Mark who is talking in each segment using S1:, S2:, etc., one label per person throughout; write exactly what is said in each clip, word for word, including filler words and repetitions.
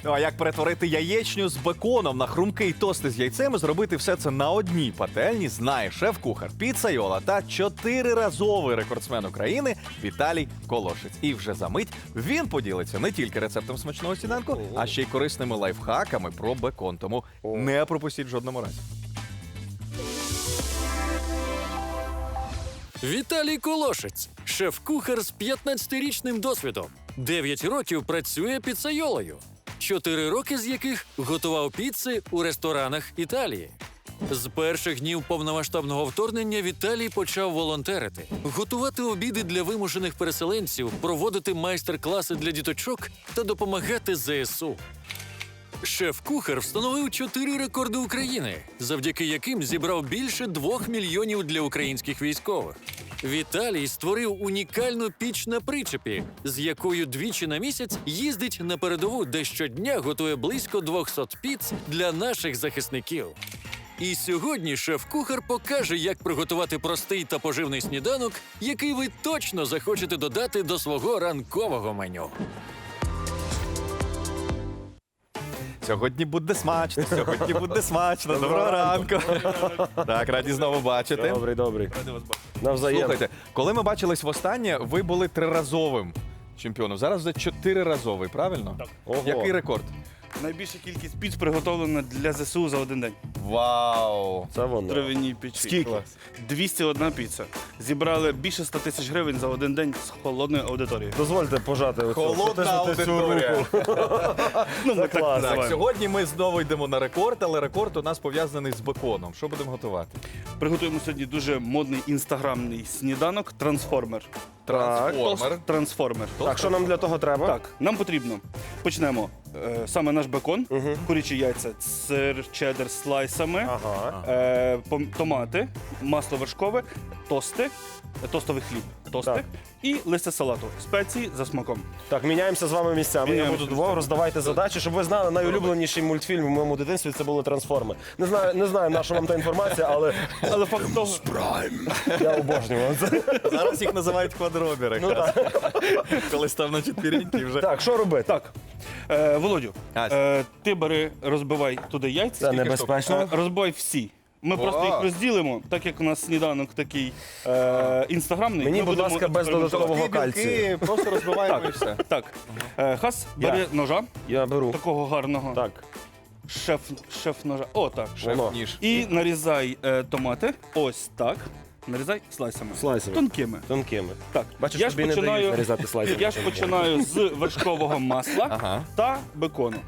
S1: Ну, а як перетворити яєчню з беконом на хрумкий тости з яйцем і зробити все це на одній пательні, знає шеф-кухар Піцайола та чотириразовий рекордсмен України Віталій Колошець. І вже за мить він поділиться не тільки рецептом смачного сніданку, а ще й корисними лайфхаками про бекон. Тому не пропустіть в жодному разі.
S2: Віталій Колошець – шеф-кухар з п'ятнадцятирічним досвідом. дев'ять років працює піцайолою, чотири роки з яких готував піци у ресторанах Італії. З перших днів повномасштабного вторгнення Віталій почав волонтерити, готувати обіди для вимушених переселенців, проводити майстер-класи для діточок та допомагати зе ес у. Шеф-кухар встановив чотири рекорди України, завдяки яким зібрав більше двох мільйонів для українських військових. Віталій створив унікальну піч на причепі, з якою двічі на місяць їздить на передову, де щодня готує близько двохсот піц для наших захисників. І сьогодні шеф-кухар покаже, як приготувати простий та поживний сніданок, який ви точно захочете додати до свого ранкового меню.
S1: Сьогодні буде смачно, сьогодні буде смачно. Доброго ранку. Так, раді знову бачити.
S3: Добрий, добрий. Навзаєм.
S1: Слухайте, коли ми бачились востаннє, ви були триразовим чемпіоном. Зараз вже чотириразовий, правильно?
S4: Так.
S3: Ого.
S1: Який рекорд?
S4: Найбільша кількість піц приготовлена для зе ес у за один день.
S1: Вау!
S3: Це воно.
S4: Трав'яні печі.
S3: Скільки?
S4: Клас. двісті одна піца. Зібрали більше ста тисяч гривень за один день з холодної аудиторії.
S3: Дозвольте пожати оцю.
S1: Холодна
S3: потиснути цю
S1: аудиторія.
S3: руку.
S4: Ну, ми
S3: Це
S4: так
S3: клас.
S1: Так,
S4: називаємо.
S1: сьогодні ми знову йдемо на рекорд, але рекорд у нас пов'язаний з беконом. Що будемо готувати?
S4: Приготуємо сьогодні дуже модний інстаграмний сніданок «Трансформер».
S1: Трансформер.
S4: Трансформер.
S3: Так, що нам для того треба?
S4: Так, нам потрібно. Почнемо. Е, саме наш бекон, курячі яйця, сир, чеддер з слайсами,
S3: Ага.
S4: е, пом- томати, масло вершкове, тости, е, тостовий хліб, тости
S3: Так.
S4: і листя салату. Спеції за смаком.
S3: Так, міняємося з вами місцями. Я
S4: Міняємося
S3: буду
S4: місцями.
S3: двох, роздавайте задачі, щоб ви знали, найулюбленіший мультфільм в моєму дитинстві це були «Трансформи». Не знаю, не знаю, на що вам та інформація, але
S4: Але факт того,
S3: я обожнюю це.
S1: Зараз їх називають квадробери. Коли став на четвіріньки вже.
S3: Так, що робити?
S4: так. Е, Володю,
S1: А,
S4: е, ти бери, розбивай туди яйця.
S3: Це небезпечно.
S4: Е, розбивай всі. Ми
S1: О!
S4: просто їх розділимо, так як у нас сніданок такий е, інстаграмний.
S3: Мені,
S4: ми
S3: будь
S4: будемо
S3: ласка, без
S4: експериментувати.
S3: додаткового
S1: Білки, білки,
S3: кальцію.
S1: просто розбиваємо і все.
S4: Так, е, Хас,
S3: Я.
S4: бери ножа,
S3: Я беру.
S4: такого гарного.
S3: Так,
S4: Шеф, шеф ножа. О, так.
S3: воно.
S1: Ніж.
S4: І нарізай е, томати. Ось так. Нарізай слайсами.
S3: Слайсами.
S4: Тонкими.
S3: Тонкими.
S4: Так.
S3: Бачиш,
S4: я ж
S3: тобі не
S4: починаю,
S3: дають нарізати слайсами.
S4: я ж починаю з вершкового масла
S1: Ага.
S4: та бекону.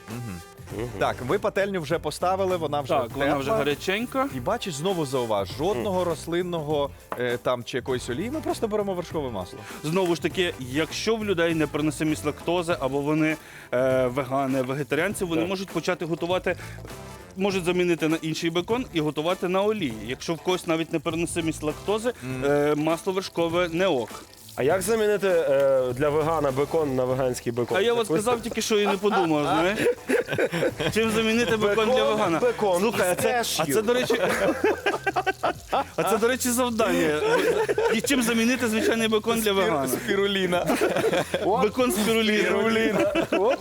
S1: Так, ви пательню вже поставили, вона вже
S4: Так, вона
S1: тепла.
S4: вже гаряченька.
S1: І бачиш, знову зауваж, жодного рослинного е, там чи якоїсь олії, ми просто беремо вершкове масло.
S4: Знову ж таки, якщо в людей непереносимість лактози або вони е, вегани, вегетаріанці, вони
S3: Так.
S4: можуть почати готувати. Можуть замінити на інший бекон і готувати на олії. Якщо в когось навіть непереносимість лактози, е, масло вершкове не ок.
S3: А як замінити е, для вегана бекон на веганський бекон?
S4: А я от сказав тільки, що і не подумав, знаєш. Чим замінити бекон для вегана?
S3: Бекон
S4: Слухай, а
S3: із
S4: це,
S3: кешю.
S4: а це, до речі, а це, до речі, завдання. І чим замінити звичайний бекон для вегана?
S1: Спіруліна.
S4: Бекон з піруліна.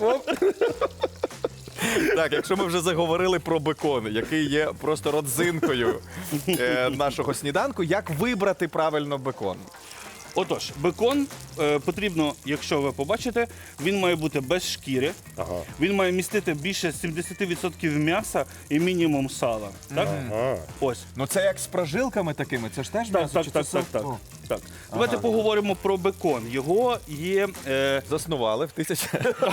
S1: Так, якщо ми вже заговорили про бекон, який є просто родзинкою е, нашого сніданку, як вибрати правильно бекон?
S4: Отож, бекон е, потрібно, якщо ви побачите, він має бути без шкіри,
S3: Ага.
S4: він має містити більше сімдесят відсотків м'яса і мінімум сала. Так?
S3: Ага.
S4: Ось.
S1: Ну це як з прожилками такими, це ж теж
S4: Так,
S1: м'ясо
S4: так,
S1: чи
S4: так,
S1: це
S4: так,
S1: сир?
S4: так.
S1: О,
S4: так. Давайте поговоримо про бекон. Його є. Е,
S1: Заснували в тисячі...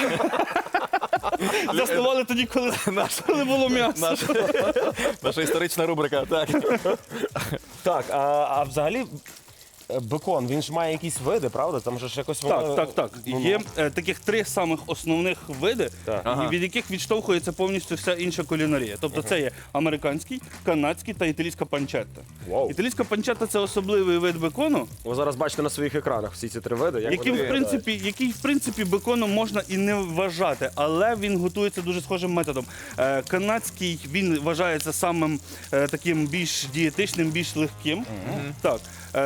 S4: заснували тоді, коли, коли було м'ясо.
S1: Наша, наша історична рубрика. Так.
S3: Так, а, а взагалі е, бекон, він ж має якісь види, правда? Там же ж якось воно...
S4: Так, так, так.
S3: ну,
S4: Є е, таких три самих основних види,
S3: Так.
S4: і
S1: Ага.
S4: від яких відштовхується повністю вся інша кулінарія. Тобто це є американський, канадський та італійська панчетта.
S3: Вау.
S4: Італійська панчетта – це особливий вид бекону,
S3: Ви зараз бачите на своїх екранах всі ці три види. Як
S4: яким,
S3: вони
S4: в принципі, який, в принципі, беконом можна і не вважати, але він готується дуже схожим методом. Е, канадський, він вважається самим е, таким більш дієтичним, більш легким. Так. Е, в ньому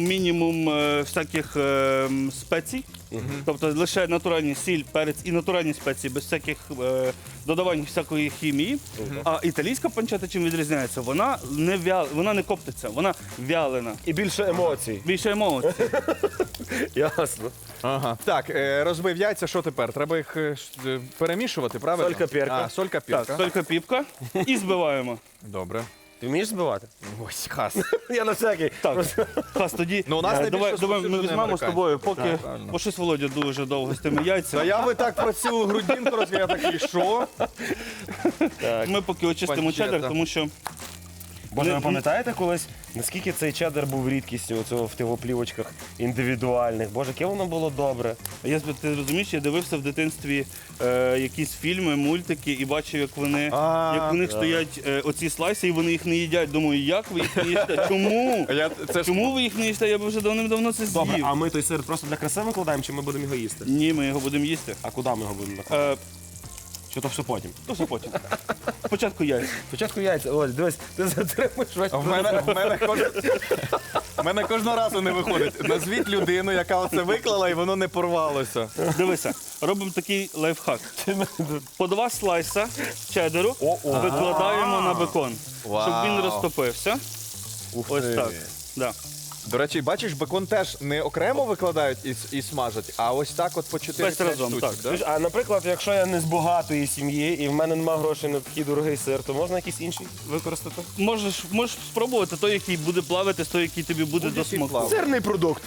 S4: мінімум е, всяких е, м, спецій. Тобто лише натуральні сіль, перець і натуральні спеції, без всяких е, додавань всякої хімії. А італійська панчета чим відрізняється? Вона не вя... вона не коптиться, вона вялена.
S3: І більше емоцій.
S4: Більше емоцій.
S3: Ясно.
S1: Ага. Так, е, розбив яйця, що тепер? Треба їх е, ш- е, перемішувати, правильно?
S3: Солька, перка.
S1: А, солька,
S4: Так,
S1: перка.
S4: тільки піпка і збиваємо.
S1: Добре.
S3: Ти вмієш збивати?
S1: Ось, хас.
S3: Я на всякий.
S4: Так, Хас, тоді
S1: Ну, у нас
S4: е,
S1: найбільше
S4: давай, давай ми
S1: розповсюджений
S4: візьмемо з
S1: американський.
S4: тобою, поки
S1: Так, правильно.
S4: бо щось Володя дуже довго з тими
S1: Та
S4: яйцями.
S1: я би так про цю грудинку розказав, я такий, що?
S4: Ми поки очистимо
S1: Панчета.
S4: чеддер, тому що
S3: Боже, ви
S4: Не-
S3: пам'ятаєте колись, наскільки цей чеддер був рідкістю оцього в тих оплівочках індивідуальних? Боже, яке воно було добре.
S4: я з- ти розумієш, я дивився в дитинстві е, якісь фільми, мультики і бачив, як вони
S1: А,
S4: як у них
S3: так.
S4: стоять е, оці слайси, і вони їх не їдять. Думаю, як ви їх не їсте? Чому?
S1: Я, це ж
S4: Чому ви їх не їсте? Я б вже давним-давно це
S3: Добре,
S4: з'їв.
S3: а ми той сир просто для краси викладаємо, чи ми будемо його їсти?
S4: Ні, ми його будемо їсти.
S3: А куди ми його будемо накладати?
S4: Е,
S3: Чи то все потім?
S4: то все потім. Спочатку яйця.
S3: Спочатку яйця. Оль, дивись, ти затримуєш весь
S1: в мене, в мене, кож... в мене кожного разу не виходить. Назвіть людину, яка оце виклала, і воно не порвалося.
S4: Дивися, робимо такий лайфхак. По два слайса чеддеру викладаємо на бекон, щоб він
S1: Вау.
S4: розтопився. Ось так. Да.
S1: До речі, бачиш, бекон теж не окремо викладають і, с- і смажать, а ось так от по чотири
S4: Весь разом,
S1: штучок.
S4: так.
S1: Да?
S3: Слухай, а наприклад, якщо я не з багатої сім'ї і в мене немає грошей на такий дорогий сир, то можна якийсь інший використати?
S4: Можеш, можеш спробувати той, який буде плавити, той, який тобі буде до
S1: Будь-який
S4: смаку.
S1: плаває.
S3: Сирний продукт.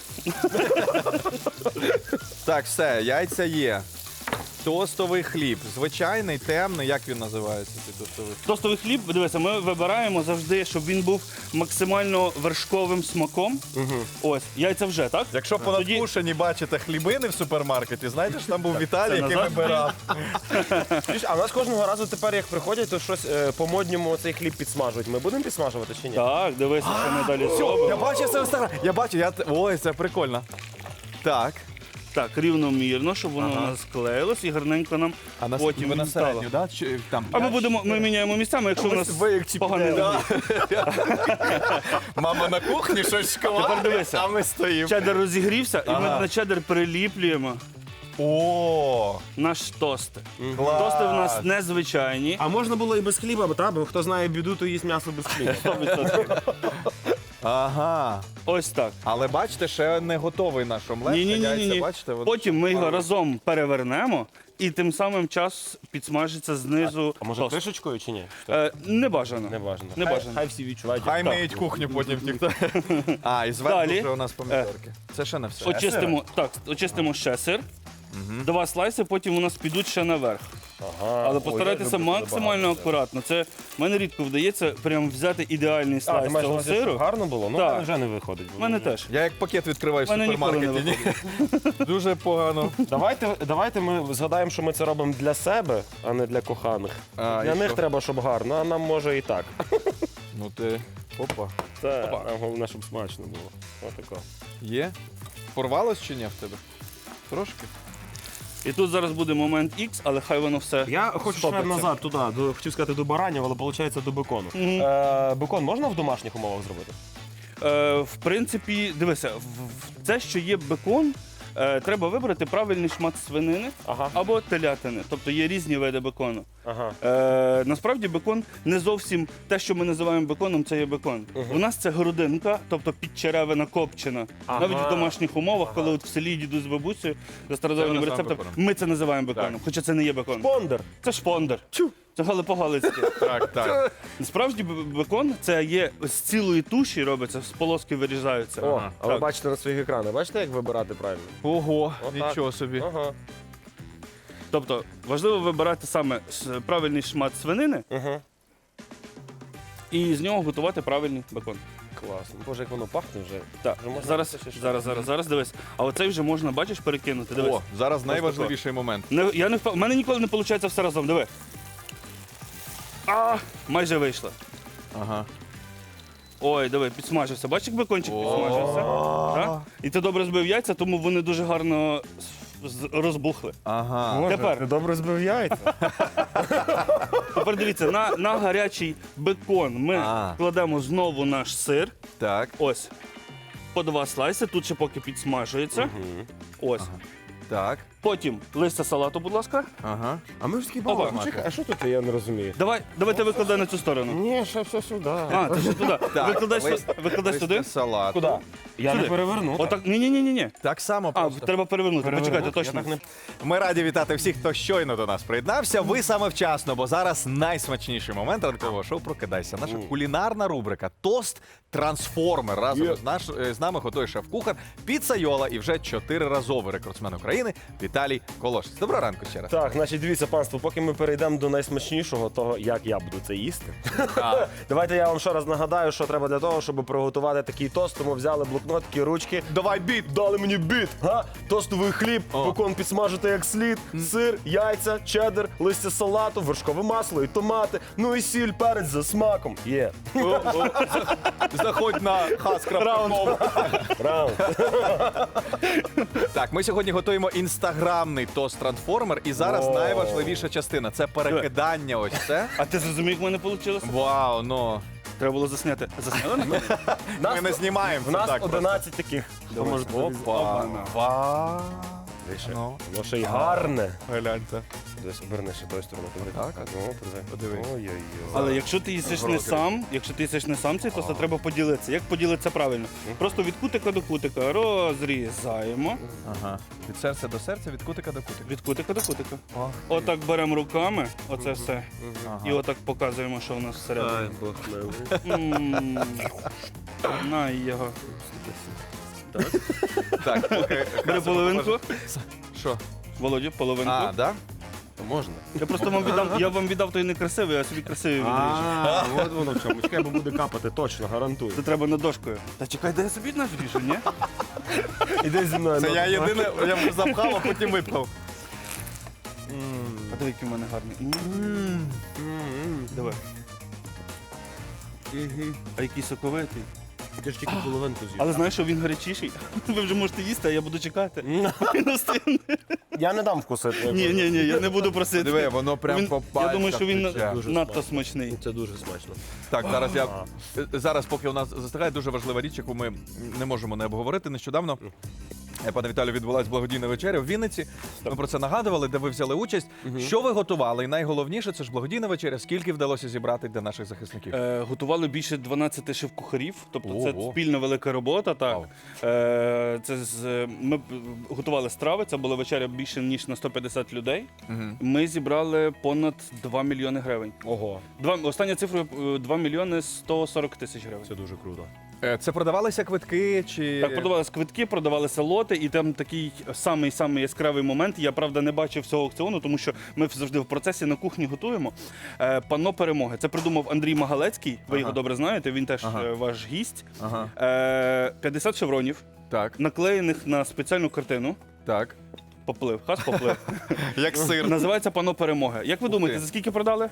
S1: Так, все, яйця є. Тостовий хліб. Звичайний, темний, як він називається, цей тостовий хліб?
S4: Тостовий хліб, дивися, ми вибираємо завжди, щоб він був максимально вершковим смаком. Ось, яйця вже, так?
S1: Якщо по
S4: Тоді-
S1: надкушенні бачите хлібини в супермаркеті, знаєте, що там був Віталій,
S4: це
S1: який
S4: назад?
S1: вибирав.
S3: Чуєш, а у нас кожного разу тепер, як приходять, то щось е, по-модньому цей хліб підсмажують. Ми будемо підсмажувати чи ні?
S4: Так, дивися, що ми далі
S1: Я
S4: зробимо.
S1: бачив це в інстаграмі. Я бачу, я... т- Ой, це прикольно. Так.
S4: Так, рівномірно, щоб воно
S1: Ага.
S4: у нас склеїлось і гарненько нам
S1: А на
S4: потім
S1: ви на
S4: стало.
S1: середню, да? Чи, там,
S4: А ми
S1: п'ять,
S4: будемо, ми міняємо місцями, якщо у нас
S1: Ви як ці
S4: поганий
S1: піде,
S4: набір.
S1: Мама на кухні щось шкварить,
S4: Тепер дивися.
S1: а ми стоїмо.
S4: Чеддер розігрівся, і ми
S1: Ага.
S4: на чеддер приліплюємо
S1: О,
S4: наш тости.
S1: клас.
S4: Тости в нас незвичайні.
S3: А можна було і без хліба, бо та, бо хто знає біду, то їсть м'ясо без хліба.
S4: сто відсотків.
S1: Ага.
S4: Ось так.
S1: Але бачите, ще не готовий наш омлет.
S4: Ні, ні, ні,
S1: яйця,
S4: ні, ні.
S1: Бачите, от-
S4: Потім ми його разом перевернемо, і тим самим час підсмажиться знизу.
S3: А може
S4: тост.
S3: кришечкою чи ні?
S4: Е, не бажано.
S3: Не важно.
S4: Не
S3: Хай-
S4: бажано.
S3: Хай всі відчувають.
S1: Хай
S4: Так.
S1: миють кухню потім ніхто. А, і зверху
S4: Далі.
S1: вже у нас помідорки. Це ще не все.
S4: Очистимо, так, очистимо ще сир. Два слайси, потім у нас підуть ще наверх.
S3: Ага.
S4: Але
S3: Ой,
S4: постарайтеся
S3: я люблю, коли
S4: максимально
S3: багато
S4: акуратно. Це мене рідко вдається прям взяти ідеальний
S3: А, ти
S4: слайс
S3: маєш на
S4: цього
S3: увазі, щоб
S4: сиру.
S3: гарно було? Ну,
S4: Так.
S3: в мене вже не виходить.
S4: У мене теж.
S1: Я як пакет відкриваю в
S4: Мене ніколи не
S1: супермаркеті. Ні. Дуже погано.
S3: Давайте, давайте ми згадаємо, що ми це робимо для себе, а не для коханих.
S1: А,
S3: для
S1: і
S3: них
S1: що?
S3: треба, щоб гарно, а нам може і так.
S1: Ну ти. Опа.
S3: Це нам головне, щоб смачно було. Отако.
S1: Є? Порвалось чи ні в тебе? Трошки.
S4: І тут зараз буде момент X, але хай воно все.
S3: Я хочу ще
S4: стопиться.
S3: назад туди, до, хотів сказати до баранів, але виходить до бекону. Е, бекон можна в домашніх умовах зробити?
S4: Е, в принципі, дивися, в- в- це, що є бекон, е, треба вибрати правильний шмат свинини
S3: Ага.
S4: або телятини. Тобто є різні види бекону.
S3: Ага.
S4: Е, насправді бекон не зовсім те, що ми називаємо беконом, це є бекон. У нас це грудинка, тобто підчеревина копчена.
S3: Ага.
S4: Навіть в домашніх умовах, коли от в селі дідусь з бабусею за стародавнім
S1: Це ми
S4: рецептом,
S1: називаємо беконом.
S4: ми це називаємо беконом, хоча це не є бекон.
S3: Бондер.
S4: Це шпондер. Це галипогалицьке.
S1: Так, так.
S4: Насправді б- бекон це є з цілої туші робиться, з полоски вирізаються.
S3: О,
S1: Ага.
S3: а ви
S4: Так.
S3: бачите на своїх екранах, бачите, як вибирати правильно?
S1: Ого,
S3: Отак.
S1: нічого собі.
S3: Ага.
S4: Тобто важливо вибирати саме с- правильний шмат свинини
S3: Ага.
S4: і з нього готувати правильний бекон.
S3: Класно. Боже, як воно пахне вже.
S4: Так,
S3: Вже можна
S4: зараз,
S3: це ще щось?
S4: зараз, зараз, зараз дивись. А оцей вже можна, бачиш, перекинути. Дивись.
S1: О, зараз найважливіший момент.
S4: Не, я не впев... У мене ніколи не виходить все разом. Диви. А, майже вийшло.
S1: Ага.
S4: Ой, диви, підсмажився. Бачиш, як бекончик
S1: О.
S4: підсмажився? Так? І ти добре збив яйця, тому вони дуже гарно з- з- розбухли.
S1: Ага.
S3: Боже,
S4: Тепер.
S3: ти добре збив яйця.
S4: Тепер дивіться, на, на гарячий бекон ми
S1: А.
S4: кладемо знову наш сир.
S1: Так.
S4: Ось. по два слайси, тут ще поки підсмажується. Ось.
S1: Так.
S4: Потім листя салату, будь ласка.
S1: Ага.
S3: А ми ж такі
S4: Опа.
S3: балакали. Чекай, а що тут я не розумію?
S4: Давай, давайте викладай на цю сторону.
S3: Ні, ще все сюди.
S4: А, ти ще туди. Викладай,
S1: лист-
S4: сю- викладай
S1: листя
S4: сюди.
S1: салату.
S3: Куди? Я
S4: Сюди.
S3: не переверну.
S4: Отак. Ні, ні, ні, ні, ні.
S1: Так само
S4: А,
S1: просто.
S4: треба перевернути.
S3: Переверну.
S4: Почекайте, точно.
S3: Я так не-
S1: Ми раді вітати всіх, хто щойно до нас приєднався. Ви саме вчасно, бо зараз найсмачніший момент ранкового шоу «Прокидайся». Наша кулінарна рубрика «Тост Трансформер». Разом
S3: Є.
S1: з, наш, з нами готує шеф-кухар Піцайола і вже чотириразовий рекордсмен України Віталій Колошець. Доброго ранку ще раз.
S3: Так, значить, дивіться, панство, поки ми перейдемо до найсмачнішого, того, як я буду це їсти. Давайте я вам ще раз нагадаю, що треба для того, щоб приготувати такий тост. Тому взяли блокнотики, ручки.
S1: Давай біт!
S3: Дали мені біт, га? Тостовий хліб,
S1: О.
S3: бекон підсмажити як слід, сир, яйця, чеддер, листя салату, вершкове масло і томати, ну і сіль, перець за смаком. Є.
S1: Заходь на хас.ком.
S3: Раунд.
S1: Так, ми сьогодні готуємо інстаграмний тост Трансформер. І зараз
S3: О.
S1: найважливіша частина це перекидання. Ось це.
S4: А ти зрозумів, як в мене вийшло?
S1: Вау, ну.
S4: Треба було засняти. Засняли на мене?
S1: Ми не знімаємо.
S3: В
S1: це
S3: нас
S1: так просто.
S3: одинадцять таких. Хто може
S1: Опа. Вау.
S3: Вище.
S1: Ну.
S3: Воно ще й гарне.
S1: Гляньте.
S3: Десь оберни ще тою стороною.
S1: Так, так.
S3: Ну, подиви.
S1: Подиви.
S3: Ой-ой-ой.
S4: Але якщо ти їсиш не сам, якщо ти їсиш не сам цей тост, то треба поділитися. Як поділитися правильно? Просто від кутика до кутика розрізаємо.
S1: Ага. Від серця до серця, від кутика до кутика.
S4: Від кутика до кутика.
S1: Ох.
S4: Отак беремо руками, оце все.
S1: Ага.
S4: І отак показуємо, що у нас всередині.
S3: Ай, Бог милий.
S4: М. На його.
S1: Так, поки
S4: Бери половинку.
S1: Що?
S4: Володю, половинку.
S1: А, да?
S3: Можна.
S4: Я просто вам віддам, я вам віддав той некрасивий, а собі красивий відріжу.
S3: А, от воно в чому. Чекай, бо буде капати, точно, гарантую.
S4: Це треба над дошкою. Та чекай, де я собі наш ріжу, ні?
S3: Іди зі мною.
S1: Це
S3: ну,
S1: я
S3: ну.
S1: єдине, я вже запхав, а потім випхав.
S4: А диви, який в мене гарний. М. Давай. А який соковитий.
S3: Ти ж тільки половинку з'їв.
S4: Але знаєш, що він гарячіший? Ви вже можете їсти, а я буду чекати. Він остигне.
S3: Я не дам вкусити.
S4: Ні, ні, ні, я не буду просити.
S1: Диви, воно прям
S4: Він-
S1: по
S4: Я
S1: пальцях
S4: думаю, що він
S1: тече.
S3: Дуже
S4: надто
S3: смачно.
S4: смачний.
S3: Це дуже смачно.
S1: Так, зараз я зараз, поки у нас застигає дуже важлива річ, яку ми не можемо не обговорити. Нещодавно, е, пане Віталію, відбулася благодійна вечеря в Вінниці. Ми про це нагадували, де ви взяли участь. Що ви готували? І найголовніше, це ж благодійна вечеря. Скільки вдалося зібрати для наших захисників?
S4: Е, готували більше дванадцяти шеф-кухарів, тобто це
S1: Ого.
S4: спільна велика робота. Так.
S1: Вау.
S4: Е, це з, ми б- готували страви, це була вечеря більше ніж на сто п'ятдесят людей. Ми зібрали понад два мільйони гривень.
S3: Ого,
S4: Два, остання цифра е, два мільйони сто сорок тисяч гривень.
S3: це дуже круто.
S1: Е, Це продавалися квитки чи
S4: Так, продавалися квитки, продавалися лоти, і там такий самий самий яскравий момент. Я правда не бачив всього аукціону, тому що ми завжди в процесі на кухні готуємо. Е, панно перемоги. Це придумав Андрій Магалецький. Ви його добре знаєте. Він теж
S1: Ага.
S4: е, ваш гість.
S1: Ага.
S4: Е, п'ятдесят шевронів,
S1: Так,
S4: наклеєних на спеціальну картину.
S1: так.
S4: Поплив, хас поплив.
S1: Як сир.
S4: Називається панно перемоги. Як ви думаєте,
S1: ти.
S4: за скільки продали?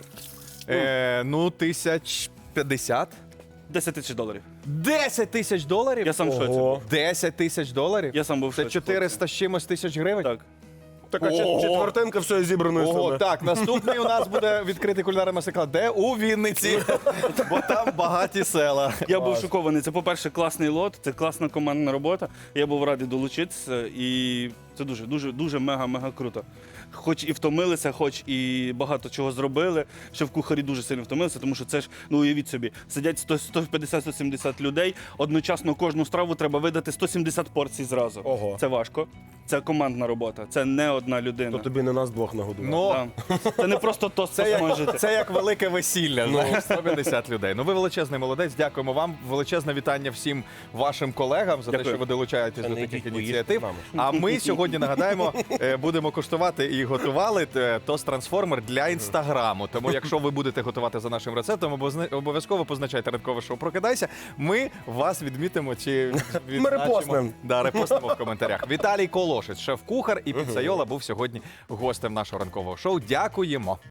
S1: Е, ну, тисяч п'ятдесят.
S4: десять тисяч доларів.
S1: Десять тисяч доларів?
S4: Я сам в шоці.
S3: Ого.
S4: був.
S1: Десять тисяч доларів?
S4: Я сам був в
S1: Це
S4: шоці.
S1: чотириста з чимось тисяч гривень?
S4: Так.
S3: Така
S1: Ого.
S3: четвертинка всього зібраної
S1: Ого,
S3: сили.
S1: так, наступний у нас буде відкритий кулінарний майстер-клас. Де? У Вінниці. Бо там багаті села.
S4: Я був шокований. Це, по-перше, класний лот, це класна командна робота. Я був радий долучитися, і це дуже, дуже, дуже мега-мега круто. Хоч і втомилися, хоч і багато чого зробили. Ще в кухарі дуже сильно втомилися, тому що це ж, ну уявіть собі, сидять сто сто п'ятдесят сто сімдесят людей. Одночасно кожну страву треба видати сто сімдесят порцій зразу.
S3: Ого.
S4: Це важко. Це командна робота, це не одна людина.
S3: То тобі не нас двох нагодував.
S1: Ну,
S4: Да. Це не просто тост
S1: це як,
S4: посмажити.
S1: це як велике весілля, знаєш, сто п'ятдесят людей. Ну ви величезний молодець, дякуємо вам. Величезне вітання всім вашим колегам за те,
S4: Дякую.
S1: що ви долучаєтесь
S3: Та
S1: до
S3: не
S1: таких
S3: йдіть, поїжте
S1: ініціатив.
S3: з нами.
S1: А ми сьогодні нагадаємо, е, будемо куштувати і готували е, тост трансформер для інстаграму. Тому, якщо ви будете готувати за нашим рецептом, обозна- обов'язково позначайте ранкове шоу «Прокидайся». Ми вас відмітимо чи відзначимо.
S3: репостнемо.
S1: Да, репостимо в коментарях. Віталій Колошець, шеф-кухар і піцайола, був сьогодні гостем нашого ранкового шоу. Дякуємо.